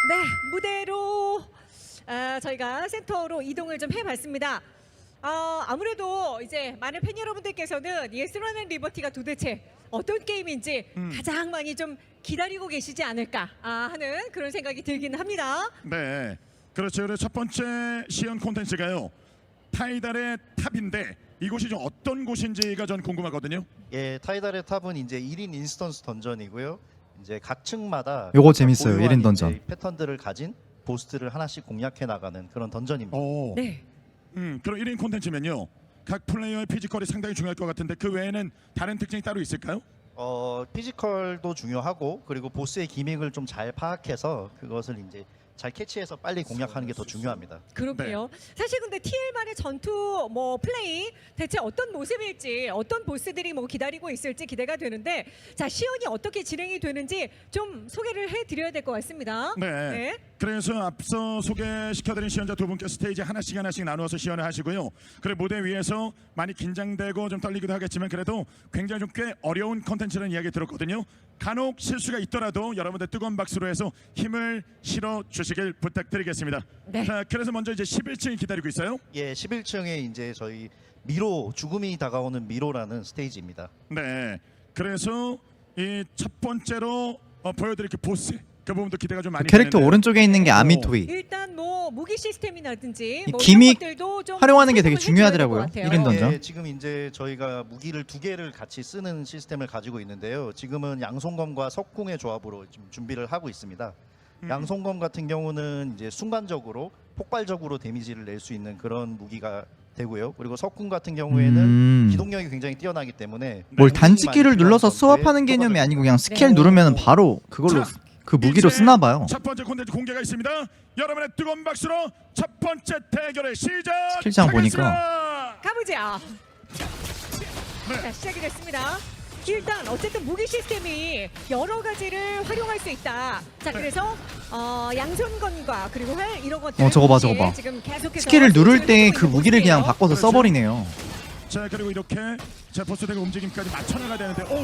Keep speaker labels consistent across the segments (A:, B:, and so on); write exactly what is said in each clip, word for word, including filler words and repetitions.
A: 네, 무대로 아, 저희가 센터로 이동을 좀 해봤습니다. 어, 아무래도 이제 많은 팬 여러분들께서는 예스라는 리버티가 도대체 어떤 게임인지
B: 음.
A: 가장 많이 좀 기다리고 계시지 않을까 아, 하는 그런 생각이 들긴 합니다.
B: 네, 그렇죠. 그래서 첫 번째 시연 콘텐츠가요. 타이달의 탑인데 이곳이 좀 어떤 곳인지가 전 궁금하거든요.
C: 예, 타이달의 탑은 이제 일 인 인스턴스 던전이고요. 이제 각 층마다
D: 요거 재밌어요,
C: 고유한
D: 일 인
C: 이제
D: 던전.
C: 패턴들을 가진 보스들을 하나씩 공략해 나가는 그런 던전입니다.
B: 오,
A: 네.
B: 음, 그럼 일 인 콘텐츠면요. 각 플레이어의 피지컬이 상당히 중요할 것 같은데 그 외에는 다른 특징이 따로 있을까요?
C: 어, 피지컬도 중요하고 그리고 보스의 기믹을 좀 잘 파악해서 그것을 이제 잘 캐치해서 빨리 공략하는 게 더 중요합니다.
A: 그렇게요. 사실 근데 티엘만의 전투 뭐 플레이 대체 어떤 모습일지 어떤 보스들이 뭐 기다리고 있을지 기대가 되는데 자 시연이 어떻게 진행이 되는지 좀 소개를 해드려야 될 것 같습니다.
B: 네.
A: 네.
B: 그래서 앞서 소개시켜드린 시연자 두 분께 스테이지 하나씩 하나씩 나누어서 시연을 하시고요. 그리고 무대 위에서 많이 긴장되고 좀 떨리기도 하겠지만 그래도 굉장히 좀 꽤 어려운 컨텐츠라는 이야기 들었거든요. 간혹 실수가 있더라도 여러분들 뜨거운 박수로 해서 힘을 실어 주시길 부탁드리겠습니다.
A: 네.
B: 자, 그래서 먼저 이제 십일 층이 기다리고 있어요.
C: 예, 십일 층에 이제 저희 미로 죽음이 다가오는 미로라는 스테이지입니다.
B: 네. 그래서 이 첫 번째로 어, 보여드릴 그 보스 그 부분도 기대가 좀 많이
D: 캐릭터
B: 되는데요.
D: 오른쪽에 있는 게 아미토이.
A: 일단 뭐 무기 시스템이라든지
D: 이
A: 뭐
D: 기믹
A: 이런 것들도 좀
D: 활용하는 게 되게
A: 설명을 해드려야 될것
D: 중요하더라고요.
A: 같아요.
D: 일 인 던전.
C: 예, 지금 이제 저희가 무기를 두 개를 같이 쓰는 시스템을 가지고 있는데요. 지금은 양손검과 석궁의 조합으로 지금 준비를 하고 있습니다.
B: 음.
C: 양손검 같은 경우는 이제 순간적으로 폭발적으로 데미지를 낼 수 있는 그런 무기가 되고요. 그리고 석궁 같은 경우에는
D: 음.
C: 기동력이 굉장히 뛰어나기 때문에
D: 뭘
C: 공격이
D: 단축키를
C: 많이
D: 눌러서
C: 필요한
D: 스왑하는
C: 전투에
D: 개념이
C: 효과적입니다.
D: 아니고 그냥 스킬
A: 네.
D: 누르면 바로 그걸로
B: 자,
D: 그 무기로
B: 이제
D: 쓰나 봐요.
B: 첫 번째 콘텐츠 공개가 있습니다. 여러분의 뜨거운 박수로 첫 번째 대결의 시작.
D: 스킬장 보니까.
A: 가보자.
B: 네.
A: 자 시작이 됐습니다. 일단 어쨌든 무기 시스템이 여러 가지를 활용할 수 있다. 자 그래서 어, 양손건과 그리고 활 이런 것들
D: 어, 저거 봐, 저거 봐.
A: 지금 계속해서
D: 스킬을 누를 때
A: 소진을
D: 그
A: 하고
D: 무기를
A: 있는
D: 그냥
A: 모습이에요.
D: 바꿔서
B: 그렇죠.
D: 써버리네요.
B: 자 그리고 이렇게 자 보스들의 움직임까지 맞춰나가야 되는데 오,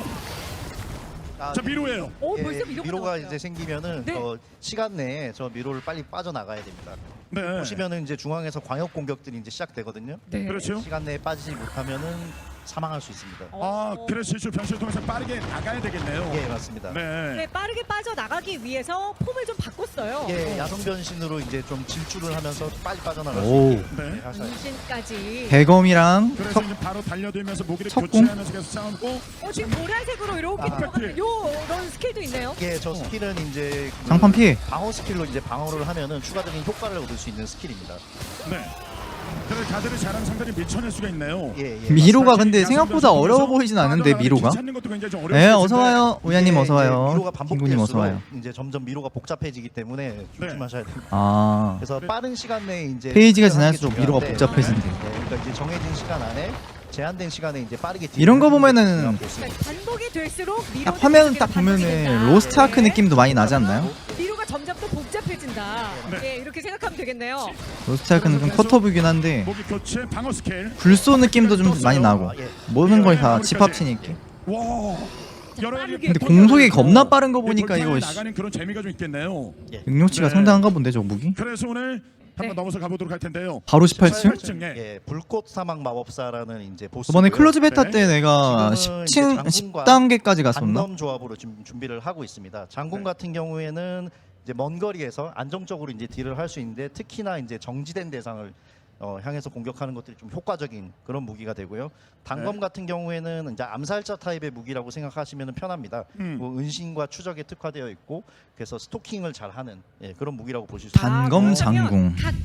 C: 아,
B: 자 미로예요.
A: 오
C: 예,
A: 벌써 미로가
C: 미로가
A: 나왔어요.
C: 이제 생기면은
A: 네.
C: 어, 시간 내에 저 미로를 빨리 빠져나가야 됩니다.
B: 네.
C: 보시면은 이제 중앙에서 광역 공격들이 이제 시작되거든요.
A: 네.
B: 그렇죠.
C: 시간 내에 빠지지 못하면은 사망할 수 있습니다.
B: 아
A: 어.
B: 그래서 실수 변수를 통해서 빠르게 나가야 되겠네요.
C: 예, 맞습니다.
B: 네.
A: 네, 빠르게 빠져나가기 위해서 폼을 좀 바꿨어요.
C: 예, 야성 변신으로 이제 좀 질주를 하면서 빨리 빠져나갈 수
D: 오.
C: 있게
B: 네.
C: 네, 하셔야 돼요.
A: 인신까지.
D: 대검이랑
B: 그래서
D: 석
B: 이제 바로 달려들면서 무기를
D: 석궁?
B: 교체하면서 계속 싸우고
A: 어, 지금 보라색으로 이렇게
C: 아.
A: 들어가는 요런 스킬도 있네요.
C: 예, 저 스킬은 이제 그
D: 장판 피해.
C: 방어 스킬로 이제 방어를 하면은 추가적인 효과를 얻을 수 있는 스킬입니다.
B: 네. 그래서 가드를 잘하는 상대를 밀쳐낼 수가 있네요.
C: 예, 예.
D: 미로가
B: 사실
D: 근데
B: 야성
D: 생각보다
B: 변수
D: 어려워
B: 통해서
D: 보이진 않는데
B: 빠져나가는
D: 미로가.
B: 길 찾는 것도 굉장히 좀 어려울
D: 네,
B: 수
D: 어서
B: 있는데
D: 와요. 우야님
C: 이게
D: 어서
C: 이제
D: 와요.
C: 미로가
D: 김구님 어서
C: 반복될수록
D: 와요.
C: 이제 점점 미로가 복잡해지기 때문에 조심하셔야 됩니다.
D: 아.
C: 그래서 빠른 시간 내에 이제
D: 페이지가
C: 딜을 하는 게
D: 지날수록 미로가
C: 중요한데,
D: 복잡해진대.
C: 네, 그러니까 이제 정해진 시간 안에 제한된 시간에 이제 빠르게 딜을
D: 이런 거
C: 하는 게
D: 보면은
C: 중요한 보스입니다.
A: 그러니까 반복이 될수록 미로
D: 딱 화면 딱 보면은 로스트 아크 느낌도 많이 나지 않나요?
A: 미로가 점점 더 복잡해진다.
B: 네.
A: 예, 이렇게 생각하면 되겠네요.
D: 로스트 아크는 좀 컷오브긴 한데
B: 무기 교체 방어 스킬.
D: 불소 느낌도 좀 많이 나고
C: 아, 예.
D: 모든 걸 다 집합치니까.
B: 와. 여러 가지
A: 빠르게.
D: 근데 공속이 겁나 빠른 거
B: 이
D: 보니까
B: 돌파에
D: 이거 씨,
B: 나가는 그런 재미가 좀 있겠네요.
D: 능력치가
B: 네.
D: 상당한가 본데 저 무기.
B: 그래서 오늘 한번
A: 네.
B: 넘어서 가보도록 할 텐데요.
D: 바로 십팔 층?
B: 십팔 층. 예.
C: 예, 불꽃 사막 마법사라는 이제 보스.
D: 저번에 클로즈 베타
B: 네.
D: 때 내가
C: 지금은
D: 십 층
C: 이제
D: 십
C: 장군과
D: 단계까지 갔었나?
C: 단검 조합으로 지금 준비를 하고 있습니다. 장군
B: 네.
C: 같은 경우에는 이제 먼 거리에서 안정적으로 이제 딜을 할 수 있는데 특히나 이제 정지된 대상을 어, 향해서 공격하는 것들이 좀 효과적인 그런 무기가 되고요. 단검
B: 네.
C: 같은 경우에는 이제 암살자 타입의 무기라고 생각하시면 편합니다.
B: 음.
C: 뭐 은신과 추적에 특화되어 있고 그래서 스토킹을 잘하는 예, 그런 무기라고 보실 수 있습니다.
D: 단검
A: 아,
D: 장궁.
A: 그러면 각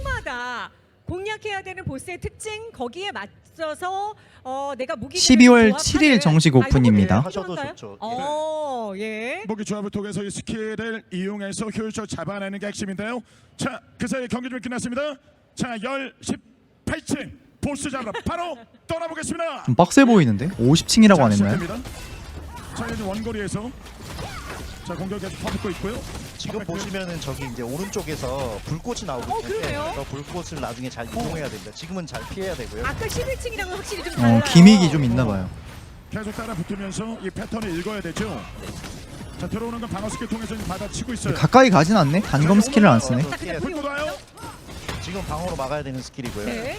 A: 층마다 공략해야 되는 보스의 특징 거기에 맞춰서 어, 내가 무기
D: 십이월 칠일 정식 오픈입니다.
C: 하셔도 좋죠.
A: 어, 예.
B: 무기 조합을 통해서 이 스킬을 이용해서 효율적으로 잡아내는 게 핵심인데요. 자, 그 사이에 경기 좀 끝났습니다. 자, 열 십팔 층 보스 잡으러 바로 떠나보겠습니다.
D: 좀 빡세 보이는데? 오십 층이라고 안
B: 자,
D: 했나요?
B: 시작됩니다. 자, 이제 원거리에서 자 공격 계속 퍼붓고 있고요.
C: 지금 보시면은 저기 이제 오른쪽에서 불꽃이 나오고
A: 어,
C: 있는데
A: 그러네요.
C: 그 불꽃을 나중에 잘 이용해야 됩니다. 지금은 잘 피해야 되고요.
A: 아까 십일 층이랑은 확실히 좀 달라요.
D: 어, 기믹이 좀 있나 봐요.
B: 계속 따라 붙으면서 이 패턴을 읽어야 되죠. 자 들어오는 건 방어 스킬 통해서 지금 받아치고 있어요.
D: 가까이 가진 않네. 단검 스킬을 안 쓰네.
A: 자, 그냥
B: 불 꽂아요.
C: 지금 방어로 막아야 되는 스킬이고요.
A: 네.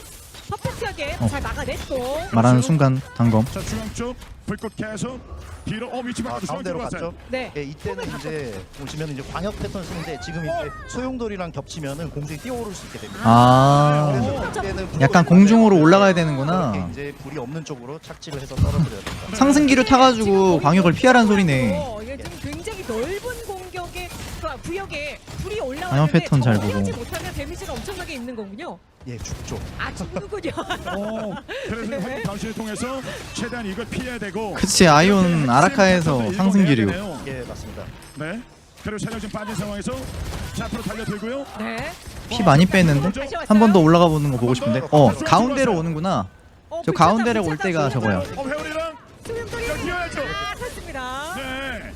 A: 퍼펙트하게
D: 어.
A: 잘 막아냈고.
D: 말하는 순간 단검.
B: 자 중앙 쪽 불꽃 계속 뒤로 어 위치
C: 아,
B: 바꿔서
C: 가운데로
B: 들어갔어요.
C: 갔죠.
A: 네.
C: 예, 이때는
A: 폼을
C: 이제 보시면 이제 광역 패턴 쓰는데 지금 이제 소용돌이랑 겹치면은 공중에 뛰어오를 수 있게 됩니다.
D: 아,
C: 그래서 이때는 불이
D: 약간
C: 없는
D: 공중으로
C: 쪽으로
D: 올라가야 되는구나.
C: 이렇게 이제 불이 없는 쪽으로 착지를 해서 떨어뜨려야 됩니다.
D: 상승기를 타가지고 광역을 피하라는 소리네.
A: 어, 이게 지금 굉장히 넓은 공격의 그 구역에 불이
D: 방역
A: 올라왔는데
D: 패턴 잘 보고.
A: 피하지 못하면 데미지가 엄청나게 있는 거군요.
C: 예, 죽죠.
A: 아 죽는군요.
B: 어, 그래서
A: 네.
B: 활동 방식을 통해서 최대한 이걸 피해야 되고.
D: 그치, 아이온 아라카에서 상승기류.
C: 예, 맞습니다.
B: 네. 그리고 체력 지금 빠진 상황에서 자 앞으로 달려들고요.
A: 네.
D: 피 많이 뺐는데 한 번 더 올라가 보는 거 보고 싶은데. 어, 가운데로 오는구나.
A: 어,
D: 저
A: 불타다,
D: 가운데로 올
A: 불타다,
D: 때가
A: 불타다.
D: 저거야.
B: 어 회오리랑
A: 수명돌이
B: 자, 뛰어야죠.
A: 아, 섰습니다.
B: 네.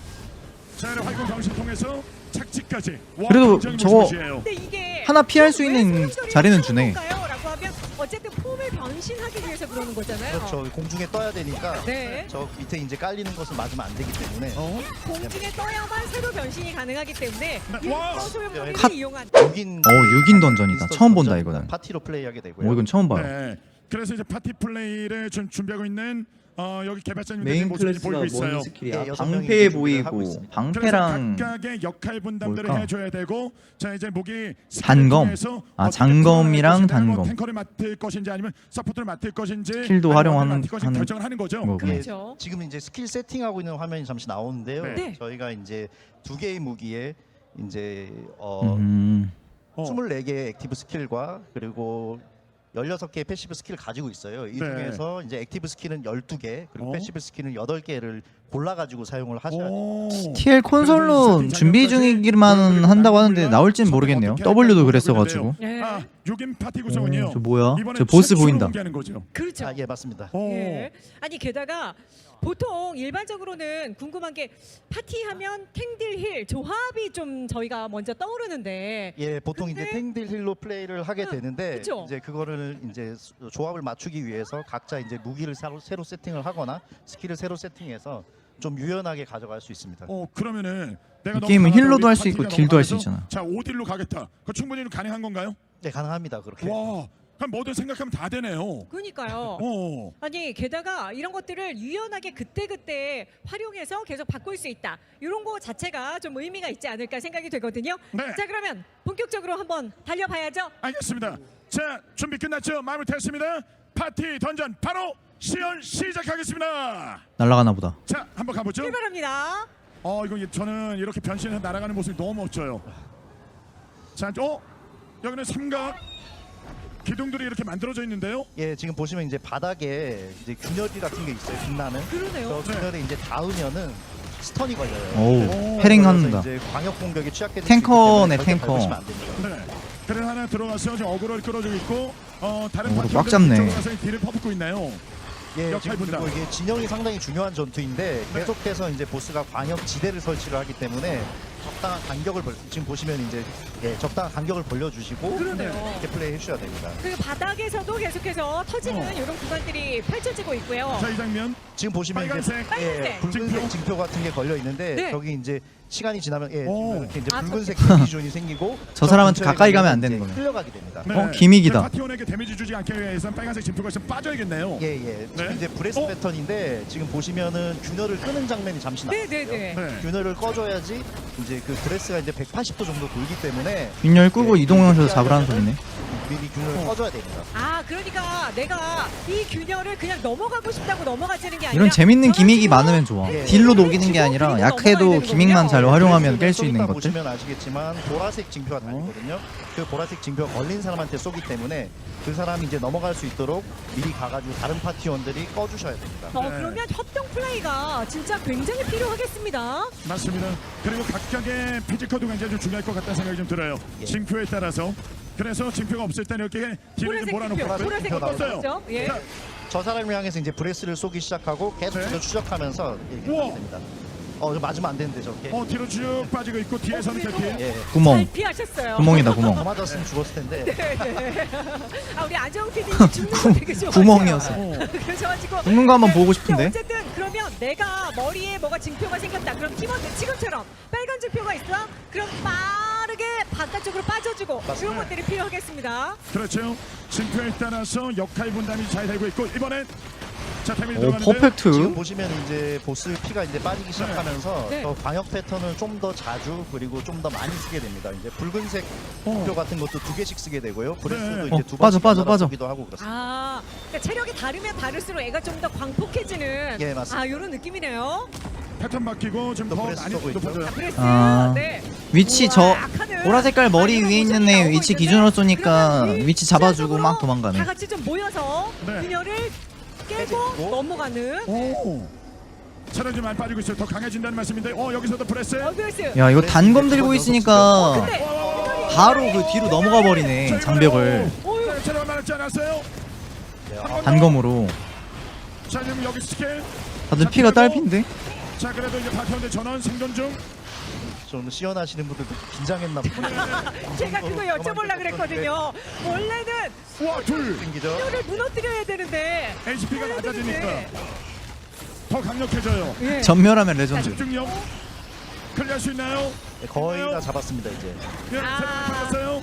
B: 자 이런 활동 방식 통해서 착지까지. 와,
D: 그래도
B: 굉장히
D: 저거
B: 무시무시해요.
A: 근데 이게
D: 하나 피할 수
A: 왜
D: 있는
A: 수명돌이를
D: 자리는
A: 하는
D: 주네.
A: 건가요? 라고 하면 어쨌든 폼을 변신하기 위해서 그러는 거잖아요.
C: 그렇죠. 공중에 떠야 되니까
A: 네.
C: 저 밑에 이제 깔리는 것을 맞으면 안 되기 때문에
B: 어?
A: 공중에 떠야만 새로 변신이 가능하기 때문에
B: 네, 와!
A: 소명돌이를
C: 컷!
A: 이용한.
C: 육 인
D: 어, 육 인 던전이다. 처음 본다, 이거는.
C: 파티로 플레이하게 되고요.
D: 오, 이건 처음 봐요.
B: 네. 그래서 이제 파티 플레이를 좀 준비하고 있는 어, 여기 개발자님들
D: 메인
B: 모습이
D: 클래스가
B: 보이고 있어요.
D: 뭔 스킬이야?
C: 예, 여섯 명이
D: 방패해
C: 이제 준비를 하고
D: 보이고
C: 있습니다.
D: 방패랑
B: 그래서 각각의 역할 분담들을
D: 뭘까?
B: 해줘야 되고 자 이제 무기
D: 단검. 아, 장검이랑 단검.
B: 탱커를 맡을 것인지 아니면 서포트를 맡을 것인지
D: 스킬도
B: 아니면
D: 활용하는-
B: 맡을 것인지
D: 하는
B: 결정을 하는 거죠.
D: 거구나.
C: 예,
A: 그렇죠.
C: 지금 이제 스킬 세팅하고 있는 화면이 잠시 나오는데요.
B: 네.
C: 저희가 이제 두 개의 무기에 이제 어
D: 음,
B: 어.
C: 스물네 개의 액티브 스킬과 그리고 열여섯 개의 패시브 스킬을 가지고 있어요. 이
B: 네.
C: 중에서 이제 액티브 스킬은 열두 개, 그리고
B: 어?
C: 패시브 스킬은 여덟 개를 골라 가지고 사용을 하셔야 돼요.
B: 오.
D: 티엘 콘솔로 준비 중이기만 한다고 하는데 나올진 모르겠네요. 더블유도 그랬어가지고.
A: 네.
B: 아, 육 인 파티 구성은요.
D: 오, 저 뭐야?
B: 이번에
D: 저 보스
B: 최초로
D: 보인다.
B: 공개하는 거죠.
A: 그렇죠.
C: 아, 예, 맞습니다.
B: 오.
A: 예. 아니 게다가 보통 일반적으로는 궁금한 게 파티하면 탱딜 힐 조합이 좀 저희가 먼저 떠오르는데
C: 예, 보통
A: 근데-
C: 이제 탱딜 힐로 플레이를 하게
A: 응,
C: 되는데
A: 그쵸?
C: 이제 그거를 이제 수- 조합을 맞추기 위해서 각자 이제 무기를 새로, 새로 세팅을 하거나 스킬을 새로 세팅해서 좀 유연하게 가져갈 수 있습니다.
B: 어 그러면은 내가
D: 이
B: 너무
D: 게임은
B: 강하다,
D: 힐로도
B: 우리
D: 할수 있고
B: 파티가
D: 딜도
B: 너무
D: 할수
B: 강해서
D: 있잖아.
B: 자 오 딜로 가겠다. 그 충분히 가능한 건가요?
C: 네, 가능합니다. 그렇게.
B: 와, 그럼 뭐든 생각하면 다 되네요.
A: 그러니까요.
B: 어.
A: 아니 게다가 이런 것들을 유연하게 그때그때 활용해서 계속 바꿀 수 있다. 이런 거 자체가 좀 의미가 있지 않을까 생각이 되거든요.
B: 네.
A: 자 그러면 본격적으로 한번 달려봐야죠.
B: 알겠습니다. 자 준비 끝났죠? 마무리 됐습니다. 파티 던전 바로 시연 시작하겠습니다.
D: 날아가나 보다.
B: 자 한번 가보죠.
A: 출발합니다.
B: 어 이거 저는 이렇게 변신해서 날아가는 모습이 너무 멋져요. 자, 어 여기는 삼각 기둥들이 이렇게 만들어져 있는데요.
C: 예, 지금 보시면 이제 바닥에 이제 균열이 같은 게 있어요. 빛나는.
A: 그러네요.
C: 저 균열에 이제 닿으면은 스턴이 걸려요.
D: 오,
B: 오,
D: 패링
C: 그래서
D: 한다.
C: 이제 광역 공격에 취약해
D: 탱커네, 탱커.
C: 안 됩니다.
B: 네. 그래 하나 들어가서 지금 어그로를 끌어주고 있고 어 다른
D: 어그로
B: 파티원들
D: 꽉 잡네.
B: 이쪽으로 가서 딜을 퍼붓고 있나요?
C: 예,
B: 역할
C: 지금
B: 분담.
C: 그리고 이게 진영이 상당히 중요한 전투인데
B: 네.
C: 계속해서 이제 보스가 광역 지대를 설치를 하기 때문에 적당한 간격을 벌, 지금 보시면 이제 예, 적당한 간격을 벌려주시고
A: 그러네요.
C: 이렇게 플레이 해주셔야 됩니다.
A: 그리고 바닥에서도 계속해서 터지는
B: 어.
A: 이런 구간들이 펼쳐지고 있고요.
B: 자 이 장면
C: 지금 보시면 이제
B: 빨간색
A: 빨간색.
C: 예, 붉은색
B: 징표.
C: 징표 같은 게 걸려 있는데
A: 네.
C: 저기 이제 시간이 지나면 예,
B: 오.
C: 지금 이렇게 이제
A: 아,
C: 붉은색 데미존이 생기고
D: 저 사람한테
C: 근처에
D: 가까이 가면 안
C: 이제
D: 되는 거네.
C: 흘러가게 됩니다.
B: 네.
D: 어, 기믹이다.
B: 파티원에게 데미지 주지 않기 위해서 빨간색 진표가 좀 빠져야겠네요.
C: 예, 예. 지금
B: 네.
C: 이제 브레스
B: 어?
C: 패턴인데 지금 보시면은 균열을 끄는 장면이 잠시 나왔어요.
A: 네네네.
B: 네.
C: 균열을 꺼줘야지 이제 그 브레스가 이제 백팔십 도 정도 돌기 때문에
D: 균열 끄고
C: 예,
D: 이동하면서 잡으라는 소리네.
C: 미리 균열을
B: 어.
C: 꺼줘야 됩니다.
A: 아 그러니까 내가 이 균열을 그냥 넘어가고 싶다고 넘어가지는 게 아니라
D: 이런 재밌는
A: 저런
D: 기믹이
A: 식으로
D: 많으면 좋아.
C: 예.
D: 딜로 녹이는 게 아니라
A: 그리고
D: 약해도
A: 넘어가야
D: 기믹만 잘
A: 되는군요.
D: 활용하면 깰
C: 브레스는
D: 수
C: 좀
D: 있는
C: 이따
D: 것들.
C: 보시면 아시겠지만 보라색 징표가 달리거든요. 그 보라색 징표가 걸린 사람한테 쏘기 때문에 그 사람이 이제 넘어갈 수 있도록 미리 가가지고 다른 파티원들이 꺼주셔야 됩니다.
A: 어,
B: 네.
A: 그러면 협동 플레이가 진짜 굉장히 필요하겠습니다.
B: 맞습니다. 그리고 각각의 피지컬도 굉장히 좀 중요할 것 같다는 생각이 좀 들어요.
C: 예.
B: 징표에 따라서 그래서 징표가 없을 때는 이렇게 딜을 좀
A: 보라색
B: 몰아놓고
A: 표, 보라색
C: 표
A: 표
C: 나왔어요.
A: 나왔죠? 예.
B: 자,
C: 저 사람을 향해서 이제 브레스를 쏘기 시작하고 계속
B: 네.
C: 뒤로 추적하면서 이렇게
B: 우와.
C: 하게 됩니다. 어, 저 맞으면 안 되는데 저렇게.
B: 어 뒤로 쭉 빠지고 있고 뒤에서는
A: 그래도-
B: 이렇게
C: 예.
D: 구멍.
A: 잘 피하셨어요.
D: 구멍이다
C: 더
D: 구멍.
C: 맞았으면 죽었을 텐데.
A: 네. 아 우리 안정 피디님 죽는 거 되게 좋아해요.
D: 구멍이었어.
B: 어.
A: 그러셔가지고
D: 죽는 거 한번 보고
A: 근데
D: 싶은데.
A: 어쨌든 그런 그러면 내가 머리에 뭐가 징표가 생겼다. 그럼 팀원들 지금처럼 빨간 징표가 있어? 그럼 빠르게 바깥쪽으로 빠져주고
C: 맞습니다.
A: 이런 것들이 필요하겠습니다.
B: 그렇죠. 징표에 따라서 역할 분담이 잘 되고 있고 이번엔 자 타이밍이
D: 오
B: 들어가는데
C: 지금
D: 퍼펙트.
C: 보시면 이제 보스 피가 이제 빠지기 시작하면서
A: 네.
C: 더 광역 패턴을 좀 더 자주 그리고 좀 더 많이 쓰게 됩니다. 이제 붉은색
B: 어.
C: 표 같은 것도 두 개씩 쓰게 되고요. 브레스도
B: 네.
C: 이제
D: 어,
C: 두
D: 빠져,
C: 번씩
D: 빠져,
C: 연달아
D: 빠져.
C: 쓰기도 하고 그렇습니다.
A: 아, 그러니까 체력이 다르면 다를수록 애가 좀 더 광폭해지는
C: 예, 맞습니다.
A: 아 이런 느낌이네요.
B: 패턴 바뀌고 지금
C: 또
B: 더
C: 브레스
B: 많이
C: 쏘고 있죠.
B: 높아져요.
A: 자, 브레스.
D: 아.
A: 네.
D: 위치 저
A: 우와, 하늘.
D: 보라 색깔 머리
A: 아,
D: 위에
A: 이런
D: 있는 애
A: 모습이
D: 위치
A: 나오고
D: 기준으로
A: 있는데
D: 쏘니까
A: 그러면
D: 위치 잡아주고
A: 일차적으로
D: 막 도망가네.
A: 다 같이 좀 모여서
B: 네.
A: 균열을 깨고
C: 깨지고.
A: 넘어가는.
B: 오. 체력이 많이 빠지고 있어요. 더 강해진다는 말씀인데, 어 여기서도 프레스.
A: 어, 브레스.
D: 야 이거
C: 네,
D: 단검
C: 네,
D: 들고
C: 네,
D: 있으니까
A: 근데 균열이
D: 바로 그 뒤로 넘어가 버리네 장벽을
A: 어휴.
B: 체력 많았지 않았어요?
C: 네,
B: 한
C: 아,
B: 번 더.
D: 단검으로.
B: 자 지금 여기 스킬.
D: 다들 피가 딸핀데?
B: 자 그래도 이제 바텀대 전원 생존 중.
C: 좀 시연하시는 분들도 긴장했나 보다.
A: 제가 그거 여쭤보려고 그랬거든요. 원래는
B: 와 둘.
C: 생기죠.
A: 균열을 무너뜨려야 되는데
B: 에이치피가
A: 해야
B: 낮아지니까
A: 되는데.
B: 더 강력해져요.
A: 예.
D: 전멸하면 레전드.
B: 집중력. 클리어할 수 있나요?
C: 네, 거의 다 잡았습니다 이제.
B: 예,
A: 아.
B: 체력이 빠졌어요.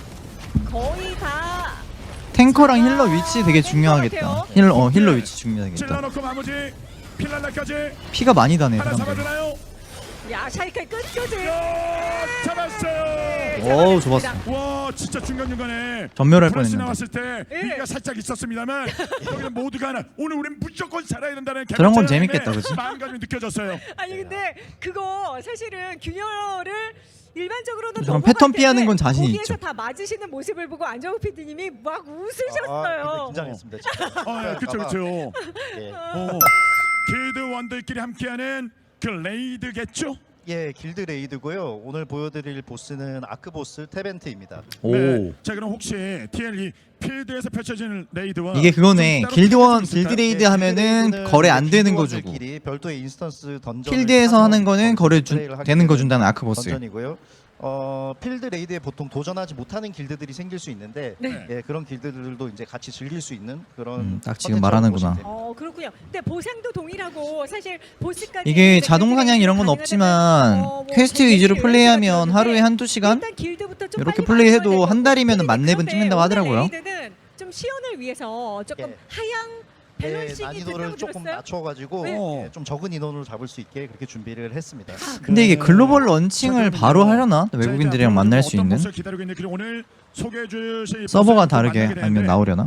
A: 거의 다
D: 탱커랑 힐러 위치 되게 중요하겠다. 힐러 어 힐러 위치 중요하겠다.
B: 찔러놓고 마무리. 필랄라까지
D: 피가 많이 다네
B: 하나
D: 사람들.
B: 잡아주나요?
A: 야, 샤이칼 끝까지.
B: 야, 잡았어요.
D: 어우, 좋았어.
B: 와 진짜 중간 중간에
D: 전멸할
B: 플러스
D: 뻔했는데.
B: 나왔을 때
A: 예.
B: 위기가 살짝 있었습니다만 여기는 모두가 하나 오늘 우리는 무조건 살아야 된다는
D: 저런 건
B: 개발자의
D: 재밌겠다,
B: 힘에
D: 그치?
B: 마음가짐이 느껴졌어요.
A: 아니 근데 그거 사실은 균열을 일반적으로는
D: 저런
A: 넘어갈
D: 패턴 피하는
A: 텐데
D: 건 자신이
A: 거기에서
D: 있죠.
A: 다 맞으시는 모습을 보고 안정욱 피디님이 막
C: 아, 근데
A: 웃으셨어요.
C: 긴장했습니다. 진짜.
B: 어, 예, 그쵸 그쵸.
C: 예.
B: 어, 길드 원들끼리 함께하는 그 레이드겠죠?
C: 예, 길드 레이드고요. 오늘 보여드릴 보스는 아크 보스 테벤트입니다.
D: 오.
B: 네. 자 그럼 혹시 티엘이 필드에서 펼쳐지는 레이드와
D: 이게 그거네.
B: 좀 따로
D: 길드원
B: 다를 수 있을까요?
D: 길드 레이드
C: 예,
D: 하면은
C: 길드
D: 거래 안
C: 레이드는
D: 되는 거 주고.
C: 길드원들끼리 별도의 인스턴스 던전.
D: 필드에서 하는 거는 거래 주, 되는 거 준다는 아크 보스.
C: 던전이고요. 어, 필드 레이드에 보통 도전하지 못하는 길드들이 생길 수 있는데
A: 네.
C: 예, 그런 길드들도 이제 같이 즐길 수 있는 그런
D: 음, 딱 지금
C: 컨텐츠라고
D: 말하는구나.
C: 보시면 됩니다.
A: 어 그렇군요. 근데 보상도 동일하고 사실 보스까지
D: 이게
A: 이제
D: 자동
A: 길드
D: 사냥 이런 건
A: 가능하다면,
D: 없지만
A: 어, 뭐
D: 퀘스트
A: 백
D: 위주로
A: 개씩
D: 플레이하면
A: 열심히
D: 하루에
A: 하는데
D: 한두 시간
A: 일단 길드부터 좀
D: 이렇게
A: 빨리
D: 플레이해도
A: 만들어야
D: 한
A: 되고.
D: 달이면은 만 렙은
A: 그런데
D: 찍는다고
A: 오늘
D: 하더라고요.
A: 레이드는 좀 시연을 위해서 조금
C: 예.
A: 하향
C: 예,
A: 밸런싱이
C: 난이도를
A: 된다고
C: 조금
A: 들었어요.
C: 낮춰가지고
B: 네.
C: 예, 좀 적은 인원으로 잡을 수 있게 그렇게 준비를 했습니다.
D: 근데 이게
B: 네.
D: 글로벌 런칭을
B: 자,
D: 바로
B: 그러면요.
D: 하려나?
B: 자,
D: 외국인들이랑
B: 이제
D: 만날
B: 앞으로
D: 수
B: 어떤
D: 있는?
B: 모습을 기다리고 있는지 그리고 오늘 소개해 주실
D: 서버가
B: 모습을
D: 다르게
B: 만나게
D: 아니면
B: 되는데
D: 나오려나?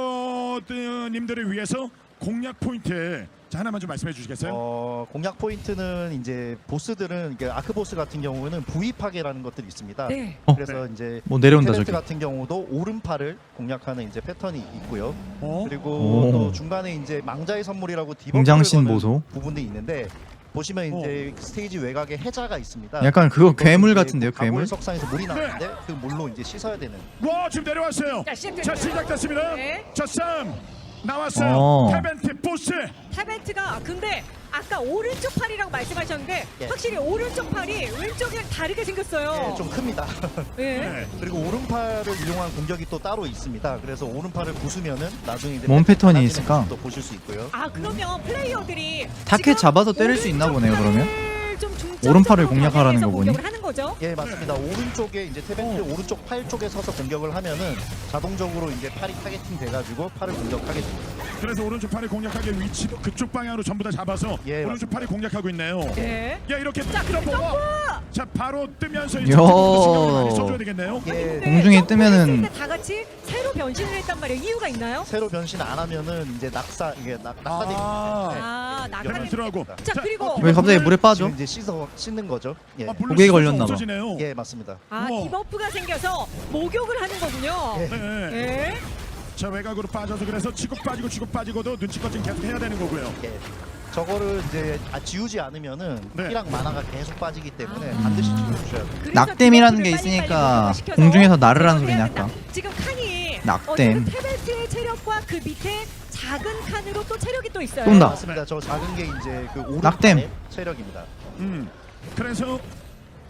B: 플레이어님들을 위해서 공략 포인트 자 하나만 좀 말씀해 주시겠어요?
C: 어, 공략 포인트는 이제 보스들은 이게 아크 보스 같은 경우는 부위 파괴라는 것들이 있습니다.
A: 네.
D: 어.
C: 그래서 이제
D: 뭐 내려온다
C: 테벤트
D: 저기.
C: 같은 경우도 오른팔을 공략하는 이제 패턴이 있고요.
B: 어?
C: 그리고
D: 오.
C: 또 중간에 이제 망자의 선물이라고 디버프를
D: 공장신
C: 거는
D: 보소.
C: 부분도 있는데 보시면 이제 스테이지 외곽에 해자가 있습니다.
D: 약간 그거
C: 그것도
D: 괴물
C: 이제
D: 같은데요,
C: 가골
D: 괴물?
C: 석상에서 물이 나는데 그 물로 이제 씻어야 되는.
B: 와 지금 내려왔어요.
A: 자, 시작됐습니다.
B: 자 시작됐습니다.
A: 네.
B: 자 싸움 나왔어요.
D: 어.
B: 테벤트 보스.
A: 타벤트가 근데 아까 오른쪽 팔이라고 말씀하셨는데
C: 예.
A: 확실히 오른쪽 팔이 왼쪽이랑 다르게 생겼어요.
C: 예, 좀 큽니다.
A: 예.
B: 네.
C: 그리고 오른팔을 이용한 공격이 또 따로 있습니다. 그래서 오른팔을 부수면은 나중에 이제
D: 뭔 패턴이
C: 달라지는
D: 있을까?
C: 모습도 보실 수 있고요.
A: 아 그러면 플레이어들이
D: 타켓
A: 지금
D: 잡아서 때릴 수 있나 보네요,
A: 오른쪽
D: 그러면?
A: 팔을 좀 중점적으로
D: 오른팔을 공략하라는
A: 방향해서
D: 거 보니?
A: 공격을 하는 거죠.
C: 예, 맞습니다. 오른쪽에 이제 테벤트 오른쪽 팔 쪽에 서서 공격을 하면은 자동적으로 이제 팔이 타겟팅 돼가지고 팔을 공격하게 됩니다.
B: 그래서 오른쪽 팔이 공략하기 위치도 그쪽 방향으로 전부 다 잡아서
C: 예,
B: 오른쪽 팔이 공략하고 있네요.
A: 네.
B: 야 이렇게
A: 자,
B: 딱
A: 점프!
B: 자 바로 뜨면서
D: 야.
B: 이제 신경을 많이 써줘야 되겠네요.
C: 예,
A: 근데
D: 공중에
A: 점프를
D: 뜨면은
A: 했을 때다 같이 새로 변신을 했단 말이에요. 이유가 있나요?
C: 새로 변신 안 하면은 이제 낙사 이게 낙, 낙사됩니다.
B: 아,
A: 아
B: 그러면
A: 낙하는.
B: 들어가고.
A: 자, 그리고
D: 왜 갑자기 물에 빠져?
C: 지금 이제 씻어 씻는 거죠. 예,
B: 아, 물로
D: 고개에
B: 씻어서
D: 걸렸나 봐.
B: 없어지네요.
C: 예, 맞습니다.
A: 아
B: 우와.
A: 디버프가 생겨서 목욕을 하는 거군요.
C: 예.
B: 네.
A: 예.
B: 자 외곽으로 빠져서 그래서 치고 빠지고 치고 빠지고도 눈치껏 좀 계속 해야 되는 거고요.
C: 예. 저거를 이제 아, 지우지 않으면은
B: 네.
C: 피랑 만화가 계속 빠지기 때문에
A: 아.
C: 반드시 지워주셔야 돼요.
A: 그래서
D: 낙댐이라는 게
A: 디버프를
D: 있으니까
A: 빨리빨리 시켜서
D: 공중에서 날으라는
A: 공격해야
D: 소리네,
A: 된다.
D: 아까.
A: 지금 칸이
D: 낙댐.
A: 어쨌든 테벤트의 체력과 그 밑에 작은 칸으로 또 체력이 또 있어요.
D: 쏜다.
C: 맞습니다. 저 작은 게 이제 그
D: 낙댐.
C: 오른팔의 체력입니다.
B: 음. 그래서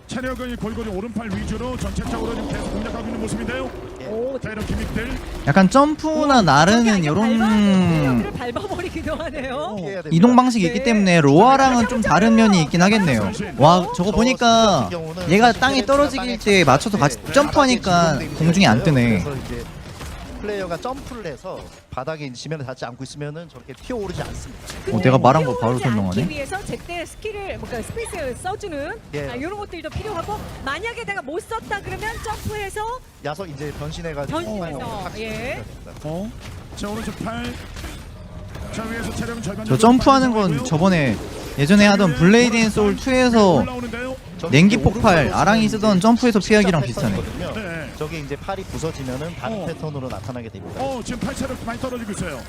B: 체력은 골고루 오른팔 위주로 전체적으로 좀 계속 공략하고 있는 모습인데요.
A: 오,
B: 자, 이런 기믹들.
D: 약간 점프나 나르는 이런
A: 여기를 밟아버리기도 하네요.
C: 피해야 됩니다.
D: 이동 방식이 있기
A: 네.
D: 때문에 로아랑은 좀 다른 면이 있긴 하겠네요. 와 저거 보니까 얘가 땅에 떨어지길 때 맞춰서 같이 점프하니까 공중에 안 뜨네.
C: 그래서 이제 플레이어가 점프를 해서 바닥에 지면에 닿지 않고 있으면은 저렇게 튀어오르지 않습니다.
D: 어, 내가 말한 거 바로
A: 뛰어오르지
D: 설명하네.
A: 않기 위해서 제때 스킬을 뭔가 스페이스를 써주는
C: 예.
A: 아, 이런 것들도 필요하고 만약에 내가 못 썼다 그러면 점프해서
C: 야서 이제 변신해가지고
A: 변신해서, 예.
B: 어. 자, 오른쪽 팔. 자, 위에서 체력은 절반
D: 저
B: 정도
D: 점프하는 건
B: 빠진
D: 저번에 예전에 하던 블레이드 앤 소울 투에서
B: 올라오는데요.
D: 냉기 폭발 아랑이 쓰던 점프에서 피하기랑 비슷하네.
B: 네.
C: 저게 이제 팔이 부서지면은 다른
B: 어.
C: 패턴으로 나타나게 됩니다.
B: 어, 지금 팔 체력 많이 떨어지고 있어요.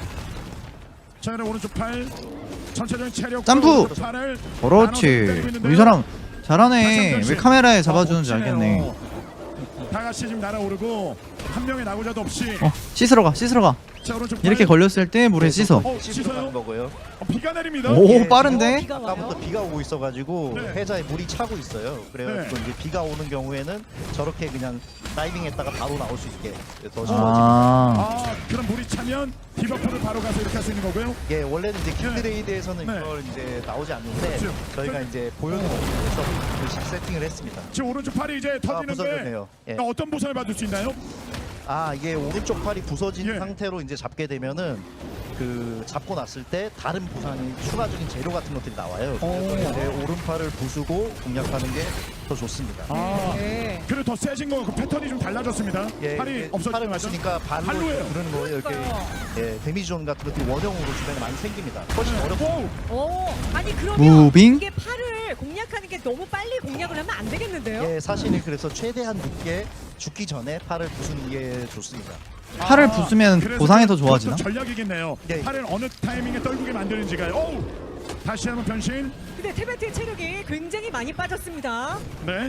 B: 자, 그럼 오른쪽 팔. 전체적인 체력.
D: 점프!
B: 팔을
D: 그렇지. 이 사람 잘하네. 왜 카메라에 잡아주는지 알겠네.
B: 어, 다 같이 지금 날아오르고 한 명의 나고자도 없이.
D: 어 씻으러 가 씻으러 가.
B: 자, 오른쪽
D: 이렇게
B: 팔.
D: 걸렸을 때 물에 씻어.
B: 어,
C: 씻으러
B: 씻어요?
C: 가는 거고요.
B: 어, 비가 내립니다.
D: 오
C: 예.
D: 빠른데?
A: 비가 와요.
C: 아까부터 비가 오고 있어가지고
B: 네.
C: 해자에 물이 차고 있어요. 그래가지고
B: 네.
C: 이제 비가 오는 경우에는 저렇게 그냥 다이빙했다가 바로 나올 수 있게 더 쉬워집니다.
D: 아
B: 아, 그럼 물이 차면 디버프를 바로 가서 이렇게 할 수 있는 거고요.
C: 예, 원래는 이제 길드레이드에서는
B: 네.
C: 이걸 이제 나오지 않는데
B: 그렇죠.
C: 저희가 이제 보여드리기 위해서 그 세팅을 했습니다.
B: 지금 오른쪽 팔이 이제
C: 아,
B: 터지는데
C: 부서졌네요. 예.
B: 어, 어떤 보상을 받을 수 있나요?
C: 아, 이게 오른쪽 팔이 부서진
B: 예.
C: 상태로 이제 잡게 되면은 그 잡고 났을 때 다른 보상이 추가적인 재료 같은 것들이 나와요.
B: 오.
C: 그래서 이제 오른팔을 부수고 공략하는 게 더 좋습니다.
B: 아,
A: 네.
B: 그리고 더 세진 거, 그 패턴이 좀 달라졌습니다.
C: 예,
B: 팔이
C: 이게
B: 없어지는
C: 팔을
B: 거죠?
C: 부수니까 발로
B: 발로예요.
C: 부르는 거예요. 이렇게
A: 그러니까요.
C: 예, 데미지 존 같은 것들이 원형으로 주변에 많이 생깁니다. 훨씬 어렵습니다.
B: 오,
A: 오, 아니 그러면
D: 무빙?
A: 이게 팔을 공략하는 게 너무 빨리 공략을 하면 안 되겠는데요?
C: 예, 사실은 그래서 최대한 늦게 죽기 전에 팔을 부수는 게 좋습니다.
D: 팔을 부수면
B: 그래서
D: 보상이 더
B: 그것도
D: 좋아지나?
B: 전략이겠네요.
C: 예.
B: 팔을 어느 타이밍에 떨구게 만드는지가요. 오, 다시 한번 변신.
A: 근데 테베트의 체력이 굉장히 많이 빠졌습니다.
B: 네.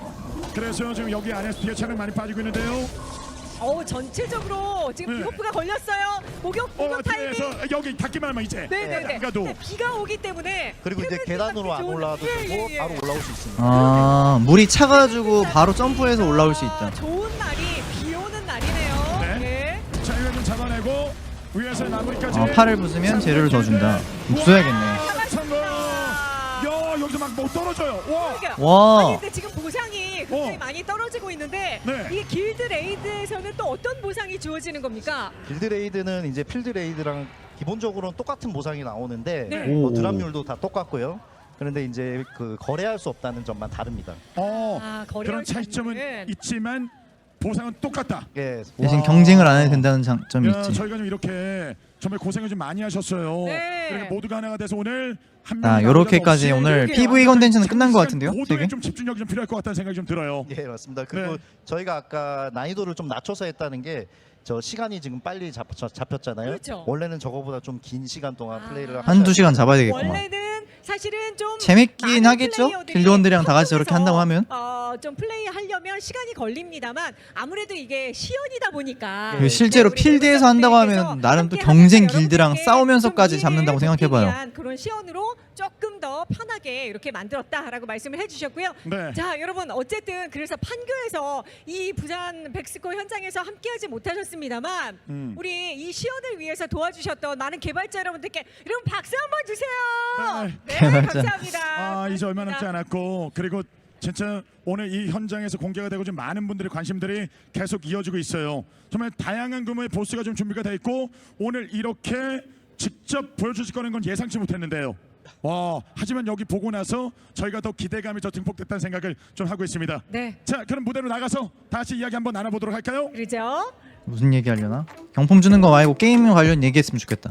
B: 그래서 지금 여기 안에서 뒤에 차량 많이 빠지고 있는데요.
A: 어우 전체적으로 지금
B: 네.
A: 비호프가 걸렸어요. 목욕
B: 어,
A: 목욕 타이밍.
B: 뒤에서 여기 닿기만 하면 이제.
A: 네네네.
B: 비가도.
A: 네, 비가 오기 때문에
C: 그리고 이제
A: 테베트가
C: 계단으로 안
A: 좋은-
C: 올라와도
A: 예,
C: 되고
A: 예, 예.
C: 바로 올라올 수 있습니다.
D: 아 물이 차가지고 바로 점프해서 올라올 수 있다.
A: 좋은 날이 비 오는 날이네요.
B: 네.
A: 네.
B: 자, 이거 좀 잡아내고 위에서 마무리까지.
D: 어, 팔을 부수면 재료를 더 준다. 부숴야겠네.
B: 성공. 야, 여기서 막 못 떨어져요. 와.
A: 그러니까
D: 와.
A: 아니 근데 지금 보상이 굉장히
B: 어.
A: 많이 떨어지고 있는데
B: 네.
A: 이게 길드 레이드에서는 또 어떤 보상이 주어지는 겁니까?
C: 빌드 레이드는 이제 필드 레이드랑 기본적으로는 똑같은 보상이 나오는데
A: 네.
C: 뭐
D: 오.
C: 드랍률도 다 똑같고요. 그런데 이제 그 거래할 수 없다는 점만 다릅니다.
B: 어.
A: 아, 거래할
B: 그런
A: 수
B: 차이점은
A: 없는.
B: 있지만 보상은 똑같다.
C: 예,
D: 대신
B: 와.
D: 경쟁을 안 해도 된다는 장점이
B: 야,
D: 있지.
B: 저희가 좀 이렇게 정말 고생을 좀 많이 하셨어요.
A: 네.
B: 그러니까 모두가 하나가 돼서 오늘 한
D: 아
B: 명이
D: 요렇게까지
B: 나오자도
D: 오늘
A: 그러게요.
D: 피브이 컨텐츠는 끝난 것 같은데요?
B: 고도의
D: 되게?
B: 좀 집중력이 좀 필요할 것 같다는 생각이 좀 들어요.
C: 예, 맞습니다. 그리고
B: 네.
C: 저희가 아까 난이도를 좀 낮춰서 했다는 게 저 시간이 지금 빨리 잡, 저- 잡혔잖아요.
A: 그렇죠.
C: 원래는 저거보다 좀 긴 시간 동안
A: 아.
C: 플레이를
D: 한두
C: 하셔야
D: 시간 잡아야 되겠구만.
A: 원래는 사실은 좀
D: 재밌긴
A: 많은
D: 하겠죠?
A: 플레이어들이
D: 길드원들이랑 다 같이 저렇게 한다고 하면?
A: 어, 좀 플레이 하려면 시간이 걸립니다만 아무래도 이게 시연이다 보니까
C: 그
D: 실제로
A: 우리
D: 필드에서 한다고 하면
A: 여러분들께서
D: 나름 또
A: 함께
D: 경쟁
A: 하면서
D: 길드랑
A: 여러분들께
D: 싸우면서까지
A: 좀
D: 잡는다고
A: 이해를 돕기
D: 생각해봐요.
A: 위한 그런 시연으로 조금 더 편하게 이렇게 만들었다라고 말씀을 해주셨고요.
B: 네.
A: 자 여러분 어쨌든 그래서 판교에서 이 부산 백스코 현장에서 함께하지 못하셨습니다만
B: 음.
A: 우리 이 시연을 위해서 도와주셨던 많은 개발자 여러분들께 여러분 박수 한번 주세요. 네,
D: 개발자.
A: 감사합니다.
B: 아, 이제 얼마 남지
A: 고맙습니다.
B: 않았고 그리고 진짜 오늘 이 현장에서 공개가 되고 좀 많은 분들의 관심들이 계속 이어지고 있어요. 정말 다양한 규모의 보스가 좀 준비가 돼 있고 오늘 이렇게 직접 보여주실 거는 건 예상치 못했는데요. 와, 하지만 여기 보고 나서 저희가 더 기대감이 더 증폭됐다는 생각을 좀 하고 있습니다.
A: 네,
B: 자, 그럼 무대로 나가서 다시 이야기 한번 나눠보도록 할까요?
A: 그러죠.
D: 무슨 얘기 하려나? 경품 주는 거 말고 게임 관련 얘기했으면 좋겠다.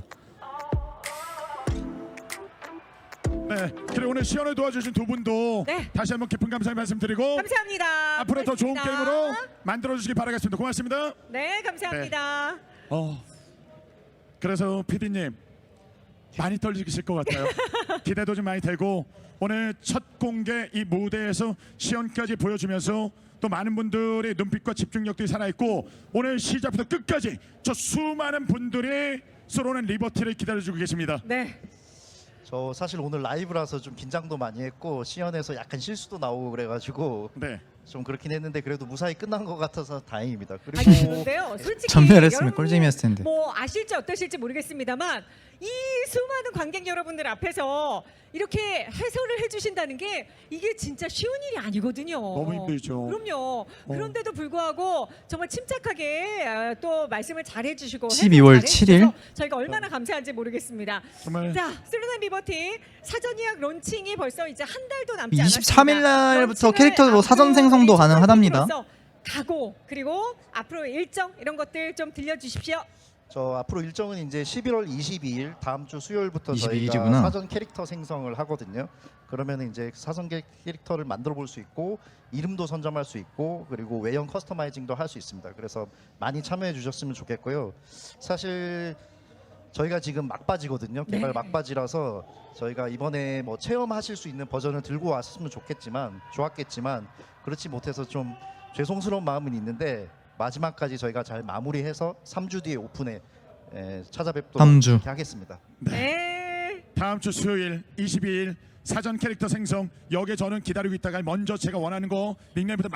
B: 네, 그리고 오늘 시연을 도와주신 두 분도
A: 네.
B: 다시 한번 깊은 감사의 말씀드리고
A: 감사합니다.
B: 앞으로 더 좋은
A: 고맙습니다.
B: 게임으로 만들어 주시기 바라겠습니다. 고맙습니다.
A: 네, 감사합니다.
B: 어, 그래서 피디님 많이 떨리실 것 같아요. 기대도 좀 많이 되고 오늘 첫 공개 이 무대에서 시연까지 보여주면서 또 많은 분들의 눈빛과 집중력들이 살아있고 오늘 시작부터 끝까지 저 수많은 분들이 쏘로는 리버티를 기다려주고 계십니다.
A: 네,
C: 저 사실 오늘 라이브라서 좀 긴장도 많이 했고 시연에서 약간 실수도 나오고 그래가지고
B: 네.
C: 좀 그렇긴 했는데 그래도 무사히 끝난 것 같아서 다행입니다. 그리고
A: 아니 그런데요, 솔직히
D: 전멸했으면
A: 여러분
D: 꿀잼이었을 텐데.
A: 뭐 아실지 어떠실지 모르겠습니다만 이 수많은 관객 여러분들 앞에서 이렇게 해설을 해주신다는 게 이게 진짜 쉬운 일이 아니거든요.
B: 너무 힘들죠.
A: 그럼요. 그런데도 불구하고 정말 침착하게 아, 또 말씀을 잘 해주시고
D: 십이월
A: 해설
D: 칠일?
A: 잘해주셔서 저희가 얼마나 감사한지 모르겠습니다.
B: 정말
A: 자, 슬로난 리버티 사전 예약 론칭이 벌써 이제 한 달도 남지 않았습니다.
D: 이십삼 일 날부터
A: 론칭을
D: 캐릭터로 사전
A: 앞으로
D: 생성도
A: 우리
D: 가능하답니다.
A: 첫 각오 그리고 앞으로 일정 이런 것들 좀 들려주십시오.
C: 저 앞으로 일정은 이제 십일월 이십이일 다음 주 수요일부터
D: 이십이
C: 저희가
D: 일이구나.
C: 사전 캐릭터 생성을 하거든요. 그러면 이제 사전 캐- 캐릭터를 만들어 볼 수 있고 이름도 선점할 수 있고 그리고 외형 커스터마이징도 할 수 있습니다. 그래서 많이 참여해 주셨으면 좋겠고요. 사실 저희가 지금 막바지거든요. 개발
A: 네.
C: 막바지라서 저희가 이번에 뭐 체험하실 수 있는 버전을 들고 왔으면 좋겠지만 좋았겠지만 그렇지 못해서 좀 죄송스러운 마음은 있는데 마지막까지 저희가 잘 마무리해서 삼 주 뒤에 오픈에 에, 찾아뵙도록
D: 삼 주.
C: 그렇게 하겠습니다.
A: 네.
B: 다음 주 수요일 이십이일 사전 캐릭터 생성 여기에 저는 기다리고 있다가 먼저 제가 원하는 거 닉네임부터